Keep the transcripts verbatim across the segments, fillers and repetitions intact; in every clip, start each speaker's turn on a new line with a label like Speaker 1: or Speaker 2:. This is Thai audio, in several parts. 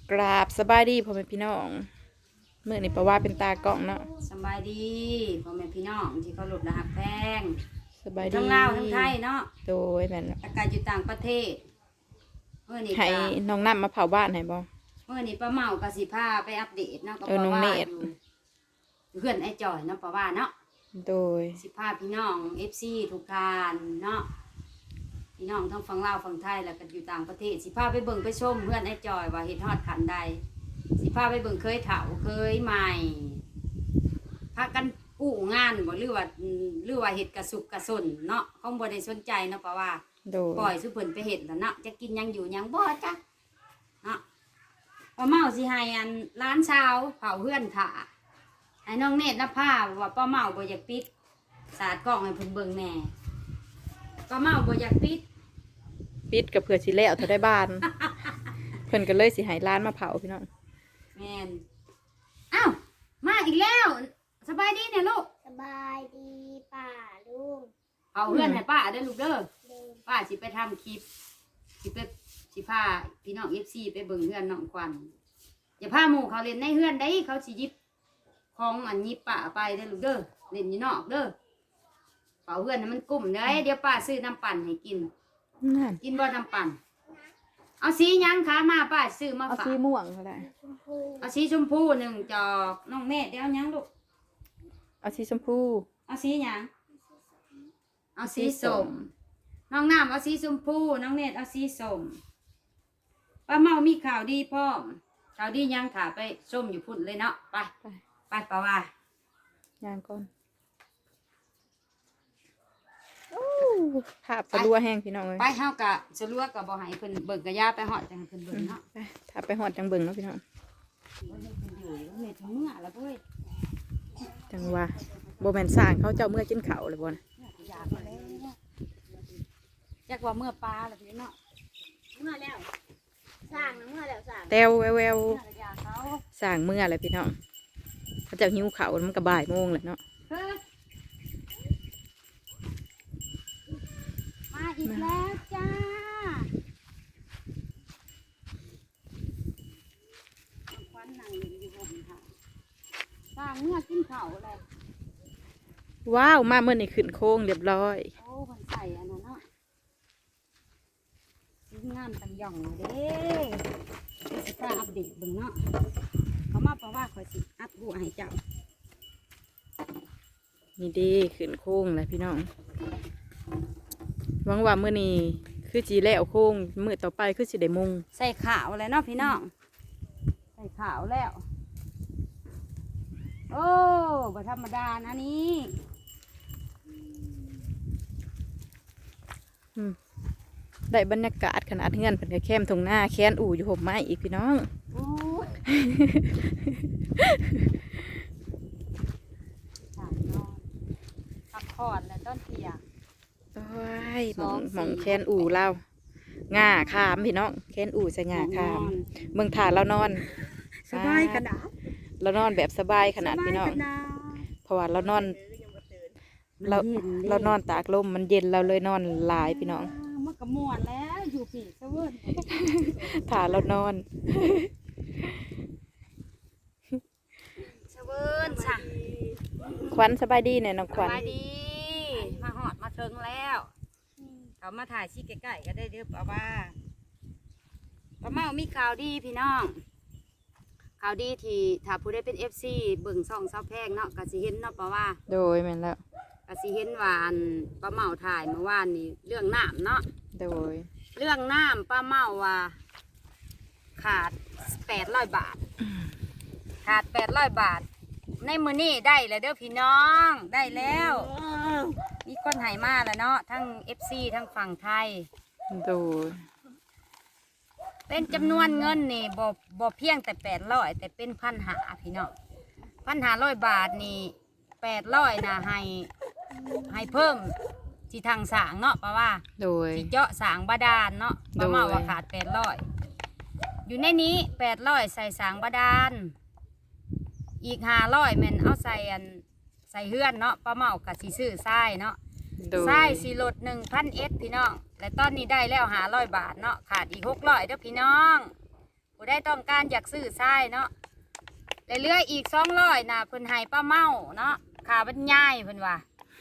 Speaker 1: กราบสบายดีพ่อแม่พี่น้องเมื่อนี้ประว่าเป็นตากล้องเนาะ
Speaker 2: สบายดีพ่อแม่พี่น้องที่เขาหลุดรหักแพง
Speaker 1: สบายดี
Speaker 2: ทั้งลาวทั้งไทยเนาะ
Speaker 1: โดยแม่น
Speaker 2: อากาศอยู่ต่างประเทศเมื่อนี้
Speaker 1: ให้น้องน้ำมาเผาบ้านให้บ่
Speaker 2: เมื่อนี้ป้าเมากะสิพาไปอัปเดตเนาะก็
Speaker 1: เออน้องเนตร
Speaker 2: เพื่อนไอ้จอยเนาะป้าว่าเนาะ
Speaker 1: โดย
Speaker 2: สิพาพี่น้อง เอฟ ซี ทุกท่านเนาะพี่น้องทั้งฝั่งลาวฝั่งไทยแล้วก็อยู่ต่างประเทศสิพาไปเบิ่งไปชมเพื่อนไอ้จอยว่าเฮ็ดฮอดขันใดสิพาไปเบิ่งเคยเฒ่าเคยใหม่พากันกู้งานบ่หรือว่าหรือว่าเฮ็ดกระสุกกระสนเนาะคงบ่ได้สนใจเนาะป้าว่า
Speaker 1: โดย
Speaker 2: ปล่อยสุเพิ่นไปเฮ็ดแล้วเนาะจะกินยังอยู่ยังบ่จ้ะเนาะป้าเมาสิให้อันร้านเช้าเผาเพื่อนถ่าให้น้องเนตรนภาว่าป้าเมาบ่อยากปิดสาดกล้องให้เพิ่นเบิ่งแหน่ป้าเมาบ่อยากปิด
Speaker 1: ปิดกับเผื่อสิแล้วเธอได้บ้าน เพิ่นก็เลยสิให้ร้านมาเผาพี่น้อง
Speaker 2: แม่นอ้าวมาอีกแล้วสบายดีเนี่ยลูก
Speaker 3: สบายดีป่าลุง
Speaker 2: เผาเพื่อนให้ป้าเด้อลูกเด้อป้าสิไปทำคลิปสิไปสิพาพี่น้อง เอฟ ซี ไปเบิ่งเพื่อนน้องควันอย่าพาหมู่เขาเล่นในเพื่อนได้เขาสิยิบของอันยิบป้าไปเด้อลูกเด้อเล่นอยู่นอกเด้อเผาเพื่อนให้มันกุ้มเด้อเดี๋ยวป้าซื้อน้ำปั่นให้กินกินบ่น้ำปั่นเอาสียังคะมาป้าซื้อมาฝาก
Speaker 1: เอาสีม่วงก็ได้
Speaker 2: เอาสีชมพูหนึ่งจอกน้องแม่เดี๋ยวยังลูก
Speaker 1: เอาสีชมพู
Speaker 2: เอาสียังเอาสีส้มน้องน้ำเอาสีชมพูน้องเนตรเอาสีส้มป้าเมามีข่าวดีพ่อมข่าวดียังถ่าไปส้มอยู่พุ่นเลยเนาะไปไปป้าว่า
Speaker 1: ย่างก่อนภาพสะลัวแห้งพี่น้องเลย
Speaker 2: ไปเฮากะสะลัวกับบ่ให้เพิ่นเบิ่งกะยาไปหอดจังให้เพิ่นเบิ่งเนาะ
Speaker 1: ถ้าไปหอดจังเบิ่งเนาะพี่น้อง
Speaker 2: เฮ็ดเมื่อแล้วเว้ย
Speaker 1: จังว่าบ่แม่นสร้างเขาเจ้าเมื่อกินข้าวเลยบ่นะ
Speaker 2: จักว่าเมื่อปลาแล้วพี่เนาะ
Speaker 3: เมื่อแล้วสร้างนะเมื่อแล้วสร้าง
Speaker 1: แต้วแววสร้างเมื่ออะไรพี่น้องเขาจะหิวข้าวมันก็บ่ายโมงเลยเนาะ
Speaker 2: มาอีกแล้วจ้าควันนั่งอยู่บนค่ะสร้างเมื่อกินข้าวเลย
Speaker 1: ว้าวมาเมื่อนี่ขึ้นโค้งเรียบร้อย
Speaker 2: โอ้มันใส่อันนั้นเนาะชิ้นงามตังย่องเลยเด้สิฟ้าอัปเดตเบิ่งเนาะเขามาเพราะว่าคอยสิอัพบัวให้เจ้า
Speaker 1: นี่ดีขึ้นโค้งเลยพี่น้องหวังว่าเมื่อนี้คือจีแล้วโค้งมือต่อไปคือสิได้มุง
Speaker 2: ใส่ขาวเลยเนาะพี่น้องใส่ขาวแล้วโอ้บ่ธรรมดานะนี่
Speaker 1: ได้บรรยากาศขนาดเงื่อนเป็นแคมทงหน้าแค้นอู่อยู่ห่มไม้อีกพี่น้อง
Speaker 2: พักผ่อนแล้วต้นเทีย
Speaker 1: โอ้ยหมองหมองแค้นอู่เล่าง่าขามพี่น้องแค้นอู่ใส่ง่าขามเมืองถ่าเรานอน
Speaker 2: สบายขนาด
Speaker 1: เรานอนแบบสบายขนาดพี่น้องเพราะว่าเรานอนเราเรานอนตากลมมันเย็นเราเลยนอนหลายพี่น้อง
Speaker 2: มันกระมวลแล้วอยู่ผีเสวิร์น
Speaker 1: ถ่าเรานอน
Speaker 2: เสวิร์นจ้ะ
Speaker 1: ขวัญสบายดีเนี่ยน้องขวัญ
Speaker 2: สบายดีมาหอดมาเทิงแล้วเขามาถ่ายชี้ใกล้ๆก็ได้เด้อป้าว่าป้าเมามีข่าวดีพี่น้องข่าวดีที่ถ้าผู้ได้เป็นเอฟซีเบิ่งซ่องเศร้าแพงเนาะกะสิเห็นเนาะป้าว่า
Speaker 1: โดยแม่นแล้ว
Speaker 2: กะสิเห็นว่าอันป้าเมาถ่ายเมื่อวานนี้เรื่องน้ำเนาะ
Speaker 1: โดย
Speaker 2: เรื่องน้ำป้าเมาว่าขาดแปดร้อยบาทขาดแปดร้อยบาทในมือนี่ได้แล้วเด้อพี่น้องได้แล้วมีคนหายมาแล้วเนาะทั้งเอฟซีทั้งฝั่งไทย
Speaker 1: โดย
Speaker 2: เป็นจำนวนเงินนี่บ่บ่เพียงแต่แปดร้อยแต่เป็นพันหาพี่น้องพันหาร้อยบาทนี่แปดร้อยนะให้ให้เพิ่มที่ทางสางเนาะป้าว่า
Speaker 1: โดย
Speaker 2: ที่เจาะสางบาดาลเนาะป้ามาว่าขาดแปดร้อยอยู่ในนี้แปดร้อยใส่สางบาดาลอีกห้าร้อยแม่นเอาใส่อันใส่เฮือนเนาะป้าเมากับสีซื้อทรายเนาะทรายสีลดหนึ่งพันเอสพี่น้องและตอนนี้ได้แล้วห้าร้อยบาทเนาะขาดอีกหกร้อยเด้อพี่น้องผู้ผู้ได้ต้องการอยากซื้อทรายเนาะและเหลืออีกสองร้อยนะเพิ่นให้ป้าเมาเนาะค่าบรรยายเพิ่นว่า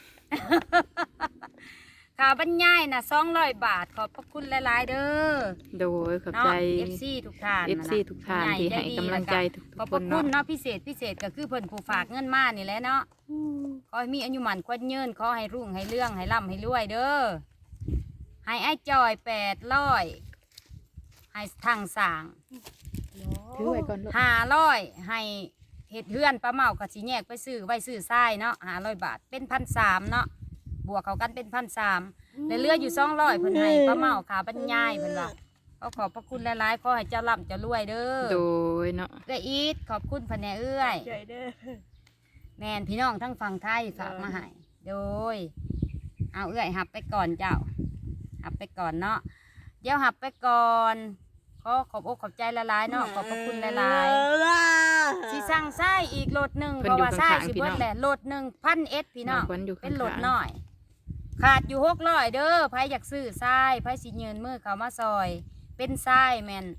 Speaker 2: ค่าบรรยายนะสองร้อยบาทขอบพระคุณหลายๆเด้อ
Speaker 1: โดยขอบ
Speaker 2: เนาะ
Speaker 1: ใจ
Speaker 2: เอฟซีทุกท่าน
Speaker 1: เอฟ
Speaker 2: นะ
Speaker 1: ซีทุกท่านที่ให้กำลังใจทุก
Speaker 2: ขอบ
Speaker 1: ๆ
Speaker 2: พ
Speaker 1: ค
Speaker 2: ระ
Speaker 1: น
Speaker 2: คุ
Speaker 1: เนาะ
Speaker 2: ณเนาะพิเศษพิเศษก็คือเพิ่นผู้ฝากเงินมานี่แหละเนาะขอให้มีอายุหมันควันยืนขอให้รุ่งให้เรื่องให้ร่ำให้รวยเด้อให้ไอ้จอยแปดร้อยให้ทางสร้าง
Speaker 1: ถือไว้ก่อนลูก
Speaker 2: ห้าร้อยให้เห็ดเฮือนป้าเมากับสีแยกไปซื้อไว้ซื้อทรายเนาะห้าร้อยบาทเป็นพันสามเนาะบวกเขากันเป็นพันสามแล้วเหลืออยู่สองร้อยเพิ่นให้ป้าเมาขาบรรยายเพิ่นว่าก็ขอบพระคุณหลายๆขอให้เจ้าร่ำเจ้ารวยเด้อ
Speaker 1: โดยเนาะ
Speaker 2: เอื้อยอีทขอบคุณพะแนเอื้อย
Speaker 3: ใจเด้อ
Speaker 2: แม่นพี่น้องทั้งฝั่งไทยฝากมาให้โดยเอาเอื้อยหับไปก่อนเจ้าหับไปก่อนเนาะเดี๋ยวหับไปก่อนขอขอบอกขอบใจละลายๆเนาะขอบพระคุณละลายๆสิสั่งไส้อีกโหลดหนึ่ง
Speaker 1: เพิ่
Speaker 2: เพ
Speaker 1: น
Speaker 2: ราะ
Speaker 1: อยู่
Speaker 2: ว่าไส้
Speaker 1: ข้างๆ
Speaker 2: สิ
Speaker 1: พี่
Speaker 2: เบิ
Speaker 1: น้
Speaker 2: ด
Speaker 1: อง
Speaker 2: แหละโหลดหนึ่งพันเอสพี่น้อง
Speaker 1: น้องขวัญอยู่ข้างๆ
Speaker 2: เป็นโหลดน้อย ขาดอยู่หกร้อยเด้อไผอยากซื้อไส้ไผสิยืนมือเขามาซอย เป็นไส้แมน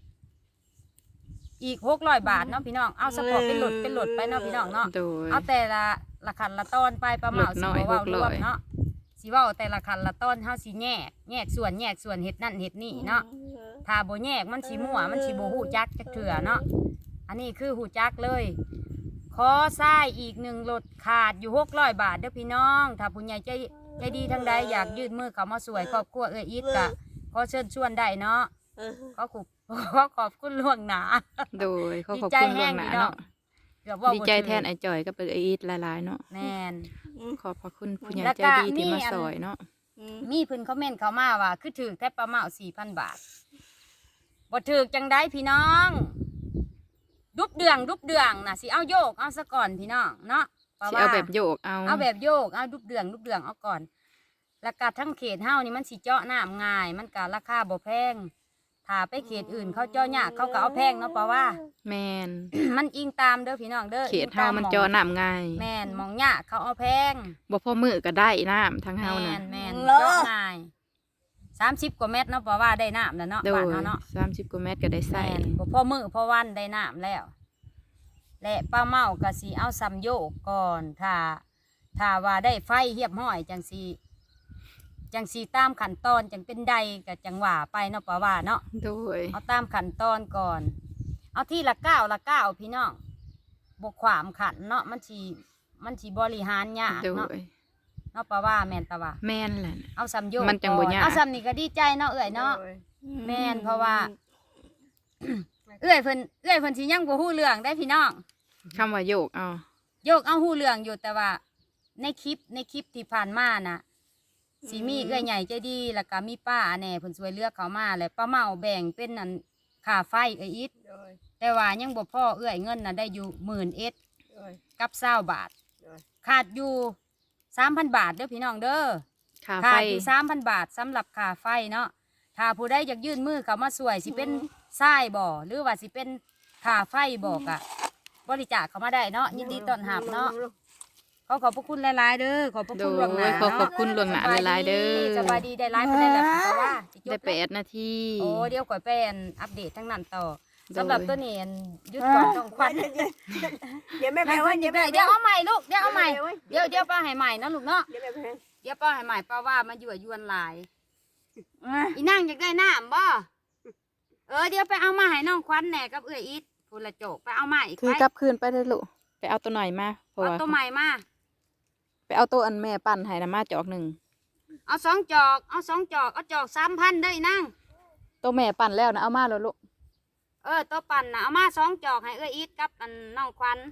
Speaker 2: อีกหกร้อยบาทเนาะพี่น้องเอาสปอร์ตเป็นโหลดเป็นโหลดไปเนาะพี่น้องเนาะ
Speaker 1: โดย
Speaker 2: เอาแต่ละละขันละตอนไปประมาณ
Speaker 1: ลด
Speaker 2: สิ
Speaker 1: น้
Speaker 2: บ
Speaker 1: อย
Speaker 2: เว้ารวม
Speaker 1: หกร้อย
Speaker 2: เนาะสิเว้าแต่ละขันละตอนเฮาสิแยกแยกส่วนแยกส่วนเฮ็ดนั่นเฮ็ดนี่เนาะถ้าบ่แยกมันสิมั่วมันสิบ่ฮู้จักจักเถื่อเนาะอันนี้คือฮู้จักเลยขอทรายอีกหนึ่งรถขาดอยู่หกร้อยบาทเด้อพี่น้องถ้าผู้ใหญ่ใจใจดีทั้งใดอยากยื่นมือเข้ามาสวยครอบครัวเอื้ออีทก็ขอเชิญชวนได้เนาะขอขอบขอขอบคุณล่วงหน้า
Speaker 1: โดยเขาขอบ
Speaker 2: ดีใจ
Speaker 1: คุณ
Speaker 2: แห้
Speaker 1: ล่ว
Speaker 2: ง
Speaker 1: งหน้า
Speaker 2: พี่น้อง
Speaker 1: เนาะ
Speaker 2: เกือบเว่า
Speaker 1: ดี
Speaker 2: บ่
Speaker 1: ใจ
Speaker 2: ถูก
Speaker 1: แทนไอ้จอยก็เป็นไอ้อีทหลายๆเนาะ
Speaker 2: แม่น
Speaker 1: ขอบพระคุณผู้ใหญ่
Speaker 2: แล้ว
Speaker 1: ใจ
Speaker 2: ก็
Speaker 1: ดีที่
Speaker 2: มี
Speaker 1: มา
Speaker 2: อัน
Speaker 1: สอยเนาะ
Speaker 2: มีเพิ่นคอมเมนต์เข้ามาว่าคือถือแค่ประมาณสี่พันบาทบ่ถือจังได้พี่น้องดุบเดืองดุบเดืองน่ะสิเอาโยกเอาซะก่อนพี่น้องเนาะเพราะ
Speaker 1: สิ
Speaker 2: ว่า
Speaker 1: เอาแบบโยกเอา
Speaker 2: เอาแบบโยกเอาดุบเดืองดุบเดืองเอาก่อน แล้วก็ทั้งเขตเฮานี่มันสิเจาะน้ำง่าย มันก็ราคาบ่แพงถ้าไปเขตอื่นเขาเจาะยากเขาก็เอาแพงเนาะเพราะว่า
Speaker 1: แมน
Speaker 2: มันอิงตามเด้อพี่น้องเด้อ
Speaker 1: เขต
Speaker 2: อิง
Speaker 1: เฮา
Speaker 2: ต
Speaker 1: มัน
Speaker 2: หอง
Speaker 1: จอน้ำง่าย
Speaker 2: แม่นหมองยากเขาเอาแพง
Speaker 1: บ่พอมือก็ได้น้ำทั้งเฮา
Speaker 2: แม่
Speaker 1: นะ
Speaker 2: นแม่นเจาะง่ายสามสิบกว่าเมตรเนาะเพราะว่าได้น้ำแล้วเนาะ
Speaker 1: โด
Speaker 2: บ้าน
Speaker 1: ย
Speaker 2: เฮาเนาะ
Speaker 1: สามสิบกว่าเมตรก็ได้ใส่
Speaker 2: แม่นบ่พอมือพอวันได้น้ำแล้ว และป้าเมาก็สิเอาซ้ำโยกก่อนถ้าถ้าว่าได้ไฟเหียบห้อยจังสีจังสีตามขั้นตอนจังเป็นใดก็จังหว่าไปเนาะป้าว่าเนาะ
Speaker 1: โดย
Speaker 2: เอาตามขั้นตอนก่อน เอาที่ละเก้าละเก้าพี่น้องบกขวามขันเนาะมันสีมันสีบริหารยาก
Speaker 1: โด
Speaker 2: เนาะ
Speaker 1: ย
Speaker 2: เนาะป้าว่าแม่นตาว่า
Speaker 1: แม่นแหละ
Speaker 2: เอาซ้ำโยก
Speaker 1: มันจังบ่
Speaker 2: ก่อน
Speaker 1: ยาก
Speaker 2: เอาซ้ำนี่ก็ดีใจเนาะเอื่อยเนาะ แม่นเพราะว่า เอื้อยเพิ่นเอื้อยเพิ่นสิยังบ่ฮู้เรื่องได้พี่น้อง
Speaker 1: คำว่าโยกเอา
Speaker 2: โยกเอาฮู้เรื่องอยู่แต่ว่า ในคลิปในคลิปที่ผ่านมาน่ะสิมีเอื้อยใหญ่ใจดีแล้วก็มีป้าแหน่เพิ่นช่วยเหลือกเขามาแล้วป้าเมาแบ่งเป็นนั่นค่าไฟเอ้ยอิดแต่ว่ายังบ่พอเอื้อยเงินน่ะได้อยู่หมื่นเอ็ดกับเศร้าบาท ขาดอยู่สามพันบาทเด้อพี่น้องเด้อ
Speaker 1: ค่า
Speaker 2: ขา
Speaker 1: ไฟ
Speaker 2: ดอยู่สามพันบาทสำหรับค่าไฟเนาะถ้าผู้ใดอยากยื่นมือเขามาสวยสิเป็นทรายบ่หรือว่าสิเป็นค่าไฟบอกอะบริจาคเขามาได้เนาะยินดีต้อนรับเนาะขอขอบพระคุณหลายๆเด้อขอบพระ
Speaker 1: โด
Speaker 2: คุณ
Speaker 1: ย
Speaker 2: ล่วงหน้า
Speaker 1: ขอ
Speaker 2: เนาะ
Speaker 1: ขอบคุณล่วงหน้าหลายๆเด้อ
Speaker 2: สบายดีได้ไลฟ์ไปได้แล้วเพราะว่าสิจบ
Speaker 1: ได้
Speaker 2: แล้ว
Speaker 1: แปดนาที
Speaker 2: โอ้เดี๋ยวก่อยไปอันอัปเดตทั้งนั้นต่อ
Speaker 1: โดย
Speaker 2: สำหรับตัวนี้อันหยุดก่อนต้องควัน
Speaker 3: เดี๋ยวแม่
Speaker 2: เดี๋
Speaker 3: แพ้ว่าเดี๋ยวแม่
Speaker 2: ยวเอาใหม่ลูกเดี๋ยวเอาใหม่เดี๋ยวเดี๋ยวป้าให้ใหม่นะลูกเนาะ
Speaker 3: เดี๋ยวแม่แพ้
Speaker 2: เดี๋ยวป้าให้ใหม่ป้าว่ามาอยู่ยวนหลายอีนั่งอยากได้น้ำบ่เออเดี๋ยวไปเอามาให้น้องควันแหน่กับเอื้อยอีทพูนละโจกไปเอามาอีก
Speaker 1: คือ
Speaker 2: ไป
Speaker 1: กลับคืนไปได้อลูกไปเอาตัวหน่อยมาเพราะ
Speaker 2: เอา
Speaker 1: ว่า
Speaker 2: ตัวใหม่มา
Speaker 1: ไปเอาตัวอันแม่ปั่นให้นะมาจอกหนึ่ง
Speaker 2: เอาสองจอกเอาสองจอกเอาจอกสามพันได้นั่ง
Speaker 1: ตัวแม่ปั่นแล้วนะเอามาแล้วลูก
Speaker 2: เออตัวปั่นนะเอามาสองจอกให้เอื้อยอีทกับอันน้องควัน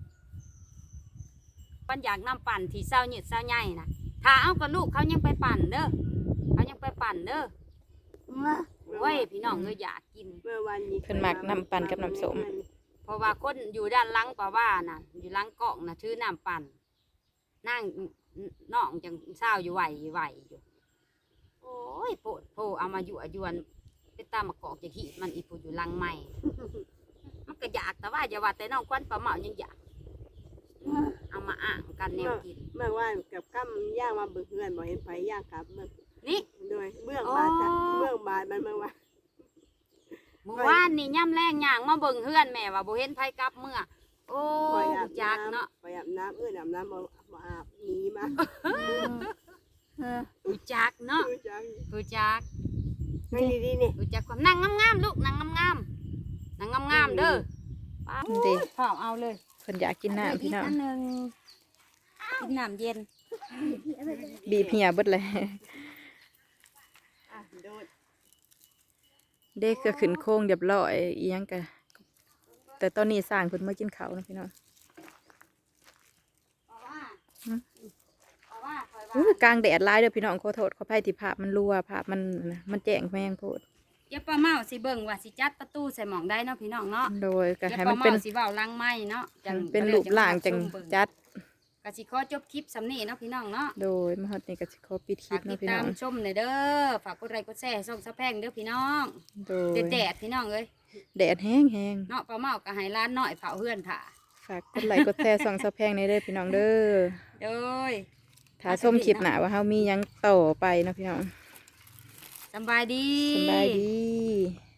Speaker 2: ปันอยากนำปั่นที่เศร้าหยืดเศร้าใหญ่นะถ้าเอากับลูกเขายังไปปั่นเด้อเขายังไปปั่นเด้อเว้ยพี่น้องเอ้ยอยากกิน
Speaker 3: เมื่อวันนี้
Speaker 1: เพิ่นมักน้ำปั่นกับน้ำส้ม
Speaker 2: เพราะว่าคนอยู่ด้านหลังป่าว่าน่ะ อยู่หลังเกาะน่ะถือน้ำปั่นนั่งน้องจังเศร้าอยู่ไหวไหวอยู่ โอ้ยโปดโพเอามาอยู่อยวนไปตามมากอกจะขีดมันอีปูอยู่หลังใหม่ มันก็อยากแต่ว่าอย่าว่าแต่น้องควันปลาเหมายังอยากเอามาอ่างกันแนวกิน
Speaker 3: เมื่อวานกับกั้มย่างมาเบื่อเพื่อนบอกเห็นไฟย่างครับเมื่อ
Speaker 2: นี่
Speaker 3: โดยเบื้องบาดเบื้องบาดมันเมื่อวาน
Speaker 2: หมื่อวานนี่ย่ำแรงย่างมาเบิ่งเฮือนแม่ว่าบ่เห็นไผกลับเมื่อโอ้
Speaker 4: คอยอาบ
Speaker 2: จักเนาะ
Speaker 4: ไปอาบน้ำเอื้อนอาบน้ำมามาอาบหนีมา
Speaker 1: เออ
Speaker 2: รู้จักเนาะ
Speaker 4: ดูจัง
Speaker 2: รู้จัก
Speaker 4: นั่งดีๆนี่
Speaker 2: รู้จักความนั่งงามๆลูกนั่งงามๆนั่งงามๆเด้อป้า
Speaker 1: เด้
Speaker 2: ข้าวเอาเลย
Speaker 1: เพิ่นอยากกินน้ำพี่น้อง
Speaker 2: กอันหนึงกินน้ำเย็น
Speaker 1: บีบเหี่ยเบิดเลย
Speaker 4: อ่ะโดด
Speaker 1: เด็กก็ขึ้นโค้งเรียบร้อยอีหยังกะแต่ตอนนี้สร้างเพิ่นมากินข้าวนะพี่น้อง
Speaker 2: เอาว่า
Speaker 1: หืม
Speaker 2: เอาว่าคอยว่า
Speaker 1: อู้กลางแดดหลายเด้อพี่น้องขอโทษขออภัยที่ภาพมันรั่วภาพมันนะมันแจ้งแมงโพด
Speaker 2: เดี๋ยวป้าเมาสิเบิ่งว่าสิจัดประตูใส่หมองได้เนาะพี่น้องเนาะ
Speaker 1: โดยก็
Speaker 2: เดี๋ยว
Speaker 1: ให้
Speaker 2: ป้า
Speaker 1: มันเป็น
Speaker 2: เมาสิเว้าลังไม้เนาะจัง
Speaker 1: เป็นรูปร่างจังจัด
Speaker 2: ก็สิขอจบคลิปสำนี้เนาะพี่น้องเนาะ
Speaker 1: โดยมาฮอดนี่ก็สิขอปิดคลิ
Speaker 2: ฝา
Speaker 1: ป
Speaker 2: กติ
Speaker 1: เนาะ
Speaker 2: ด
Speaker 1: พี่
Speaker 2: ตา
Speaker 1: น้อ
Speaker 2: ม
Speaker 1: ง
Speaker 2: ชมหน่อยเด้อฝากกดไลค์กดแชร์ส่งสะแพงเด้อพี่น้อง
Speaker 1: โดย
Speaker 2: แดดๆพี่น้องเอ้ย
Speaker 1: แดดแห้งแห้ง
Speaker 2: เนาะป้าเมาก็ให้ร้านน้อยเผาเฮือนค่ะ
Speaker 1: ฝากกดไลค์กดแชร์ส่องสะแพงในเด้อพี่น้องเด้อ
Speaker 2: โดย
Speaker 1: ถ้าส้มคลิปหนาว่าเฮามีหยังต่อไปเนาะพี่น้อง
Speaker 2: สำบายดี
Speaker 1: สบายดี